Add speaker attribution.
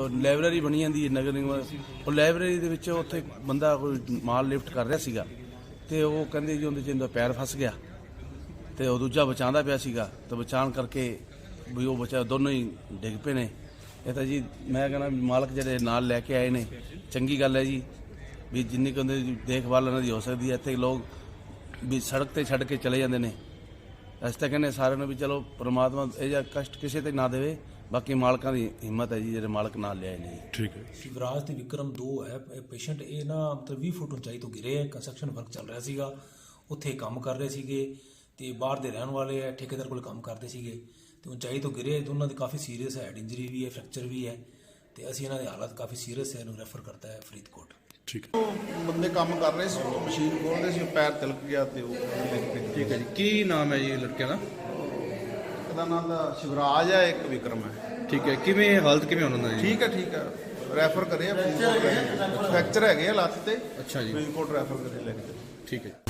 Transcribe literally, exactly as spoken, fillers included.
Speaker 1: Library ਬਣੀ ਜਾਂਦੀ ਹੈ ਨਗਰ ਨਿਗਮ, ਉਹ ਲਾਇਬ੍ਰੇਰੀ ਦੇ ਵਿੱਚ ਉੱਥੇ ਬੰਦਾ ਕੋਈ ਮਾਲ ਲਿਫਟ ਕਰ ਰਿਹਾ ਸੀਗਾ ਤੇ ਉਹ ਕਹਿੰਦੇ ਜੀ ਉਹਦੇ 'ਚ ਇਹਦਾ ਪੈਰ ਫਸ ਗਿਆ ਤੇ ਉਹ ਦੂਜਾ ਬਚਾਉਂਦਾ ਪਿਆ ਸੀਗਾ ਤੇ ਬਚਾਉਣ ਕਰਕੇ ਵੀ ਉਹ ਬਚਾ ਦੋਨੋਂ ਹੀ ਡਿੱਗ ਪਏ ਨੇ। ਇਹ ਤਾਂ ਜੀ ਮੈਂ ਕਹਿੰਦਾ ਮਾਲਕ ਜਿਹੜੇ ਨਾਲ ਲੈ ਕੇ ਆਏ ਨੇ ਚੰਗੀ ਗੱਲ ਹੈ ਜੀ, ਵੀ ਜਿੰਨੀ ਕੁ ਉਹਦੀ ਦੇਖਭਾਲ ਉਹਨਾਂ ਦੀ ਹੋ ਸਕਦੀ ਹੈ। ਇੱਥੇ ਲੋਕ ਵੀ ਸੜਕ ਤੇ ਛੱਡ ਕੇ ਚਲੇ ਜਾਂਦੇ ਨੇ। ਅਸੀਂ ਤਾਂ ਕਹਿੰਦੇ ਸਾਰਿਆਂ ਨੂੰ ਵੀ ਚਲੋ ਪ੍ਰਮਾਤਮਾ ਇਹ ਜਿਹਾ ਕਸ਼ਟ ਕਿਸੇ ਤੇ ਨਾ ਦੇਵੇ, ਬਾਕੀ ਮਾਲਕਾਂ ਦੀ ਹਿੰਮਤ ਹੈ ਜੀ ਜਿਹੜੇ ਮਾਲਕ ਨਾਲ ਲਿਆਏ ਨੇ। ਠੀਕ ਹੈ।
Speaker 2: ਸ਼ਿਵਰਾਜ ਤੇ ਵਿਕਰਮ ਦੋ ਹੈ ਪੇਸ਼ੈਂਟ, ਇਹ ਨਾ ਮਤਲਬ ਵੀਹ ਫੁੱਟ ਉਚਾਈ ਤੋਂ ਗਿਰੇ ਹੈ। ਕੰਸਟਰਕਸ਼ਨ ਵਰਕ ਚੱਲ ਰਿਹਾ ਸੀਗਾ, ਉੱਥੇ ਕੰਮ ਕਰ ਰਹੇ ਸੀਗੇ ਤੇ ਬਾਹਰ ਦੇ ਰਹਿਣ ਵਾਲੇ ਹੈ, ਠੇਕੇਦਾਰ ਕੋਲ ਕੰਮ ਕਰਦੇ ਸੀਗੇ ਤੇ ਉਚਾਈ ਤੋਂ ਗਿਰੇ। ਦੋਨਾਂ ਦੀ ਕਾਫੀ ਸੀਰੀਅਸ ਹੈ, ਹੈਡ ਇੰਜਰੀ ਵੀ ਹੈ, ਫ੍ਰੈਕਚਰ ਵੀ ਹੈ ਤੇ ਅਸੀਂ ਇਹਨਾਂ ਦੀ ਹਾਲਤ ਕਾਫੀ ਸੀਰੀਅਸ ਹੈ, ਇਹਨੂੰ ਰੈਫਰ ਕਰਤਾ ਹੈ ਫਰੀਦਕੋਟ।
Speaker 1: ਠੀਕ ਹੈ।
Speaker 3: ਉਹ ਬੰਦੇ ਕੰਮ ਕਰ ਰਹੇ ਸੀ, ਉਹ ਮਸ਼ੀਨ ਖੋਲ੍ਹਦੇ ਸੀ, ਪੈਰ ਤਿਲਕ ਗਿਆ ਤੇ ਉਹ
Speaker 1: ਠੀਕ ਹੈ ਜੀ। ਕੀ ਨਾਮ ਹੈ ਜੀ ਲੜਕਿਆਂ ਦਾ?
Speaker 3: ਉਹਦਾ ਨਾਮ ਦਾ ਸ਼ਿਵਰਾਜ ਹੈ, ਇੱਕ ਵਿਕਰਮ ਹੈ।
Speaker 1: ਠੀਕ ਹੈ। ਕਿਵੇਂ ਹਾਲਤ ਕਿਵੇਂ ਉਹਨਾਂ ਦਾ ਜੀ?
Speaker 3: ਠੀਕ ਹੈ ਠੀਕ ਹੈ, ਰੈਫਰ ਕਰੇ ਆ ਫਰੀਦਕੋਟ। ਫ੍ਰੈਕਚਰ ਹੈਗੇ ਆ ਲੱਤ ਤੇ।
Speaker 1: ਅੱਛਾ ਜੀ।
Speaker 3: ਫਰੀਦਕੋਟ ਰੈਫਰ ਕਰੇ ਲੈ ਕੇ।
Speaker 1: ਠੀਕ ਹੈ।